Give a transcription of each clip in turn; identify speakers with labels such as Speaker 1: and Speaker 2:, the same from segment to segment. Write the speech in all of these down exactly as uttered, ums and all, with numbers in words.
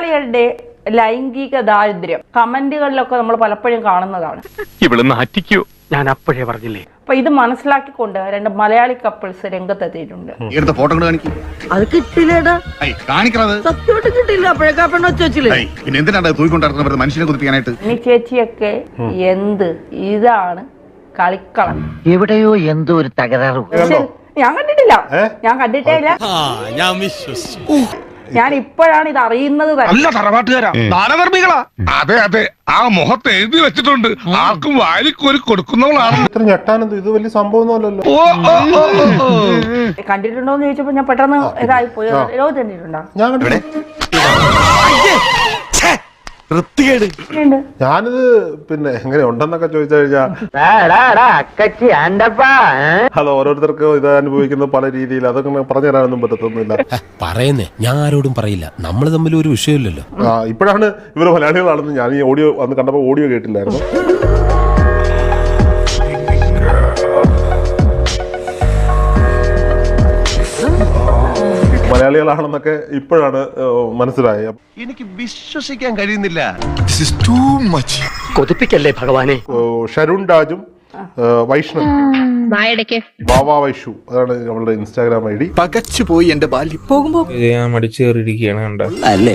Speaker 1: മലയാളികളുടെ ലൈംഗിക ദാരിദ്ര്യം കമന്റുകളിലൊക്കെ നമ്മൾ പലപ്പോഴും കാണുന്നതാണ്.
Speaker 2: ഇവിടെ നാറ്റിക്കോ, ഞാൻ അപ്പോഴേ പറഞ്ഞില്ലേ.
Speaker 1: അപ്പൊ ഇത് മനസ്സിലാക്കിക്കൊണ്ട് രണ്ട് മലയാളി കപ്പിൾസ് രംഗത്തെത്തിയിട്ടുണ്ട്.
Speaker 3: ഫോട്ടോ
Speaker 4: അത് കിട്ടില്ലേടാ, സത്യമായിട്ട് കിട്ടില്ല. അപ്പോഴേക്കാ പെണ്ണ് വെച്ച് വെച്ചില്ലേ,
Speaker 3: പിന്നെ എന്തിനാണ് തൂക്കൊണ്ടിരുന്നത് മനുഷ്യനെ കുതിപ്പിക്കാനായിട്ട്?
Speaker 1: ഇനി ചേച്ചിയൊക്കെ എന്ത് ഇതാണ് കളിക്കളം.
Speaker 4: എവിടെയോ എന്തോ ഒരു തകരാറ്.
Speaker 1: ഞാൻ കണ്ടിട്ടില്ല, ഞാൻ കണ്ടിട്ടേ ഇല്ല. ഞാൻ ഇപ്പോഴാണ് ഇത് അറിയുന്നത് തന്നെ.
Speaker 3: അതെ അതെ, ആ മുഖത്ത് എഴുതി വെച്ചിട്ടുണ്ട്, ആർക്കും വാരിക്കോരി കൊടുക്കുന്നവളാണ്.
Speaker 5: ഇത്ര ഞെട്ടാനെന്ത്, ഇത് വലിയ സംഭവമൊന്നുമല്ലല്ലോ.
Speaker 1: കണ്ടിട്ടുണ്ടോന്ന് ചോദിച്ചപ്പോ ഞാൻ പെട്ടെന്ന് ഇതായി പോയി. ലോകത്ത് കണ്ടിട്ടുണ്ടോ?
Speaker 5: ഞാൻ കണ്ടിട്ടുണ്ട്. ഞാനിത് പിന്നെ എങ്ങനെ ഉണ്ടെന്നൊക്കെ ചോദിച്ചു കഴിഞ്ഞാ അത് ഓരോരുത്തർക്കും ഇത് അനുഭവിക്കുന്ന പല രീതിയിൽ, അതൊക്കെ പറഞ്ഞു തരാനൊന്നും പറ്റത്തൊന്നുമില്ല.
Speaker 6: പറയുന്നേ ഞാൻ ആരോടും പറയില്ല, നമ്മൾ തമ്മിൽ ഒരു വിഷയമില്ലല്ലോ.
Speaker 5: ആ ഇപ്പോഴാണ് ഇവര് മലയാളികളാണെന്ന് ഞാൻ ഈ ഓഡിയോ അന്ന് കണ്ടപ്പോ ഓഡിയോ കേട്ടില്ലായിരുന്നു. മലയാളികളാണെന്നൊക്കെ ഇപ്പോഴാണ് മനസ്സിലായത്.
Speaker 7: എനിക്ക് വിശ്വസിക്കാൻ കഴിയുന്നില്ല.
Speaker 2: കൊതിപ്പിക്കല്ലേ ഭഗവാനെ.
Speaker 5: ഷരുൺ രാജും വൈഷ്ണവ് വാവാ വൈഷു, അതാണ് നമ്മളുടെ ഇൻസ്റ്റാഗ്രാം ഐ ഡി.
Speaker 7: പകച്ചു പോയി എന്റെ ബാല്യം. പോകുമ്പോ
Speaker 8: ഞാൻ മടിച്ചു കയറിയിരിക്കുകയാണ് കണ്ട
Speaker 7: അല്ലേ?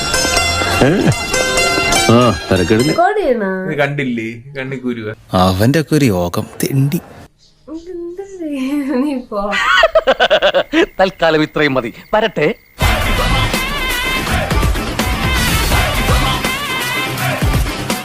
Speaker 8: കണ്ടില്ലേ കണ്ണിക്കൂരുക.
Speaker 6: അവന്റെ ഒക്കെ ഒരു യോഗം തെണ്ടി.
Speaker 7: തൽക്കാലം ഇത്രയും മതി. വരട്ടെ.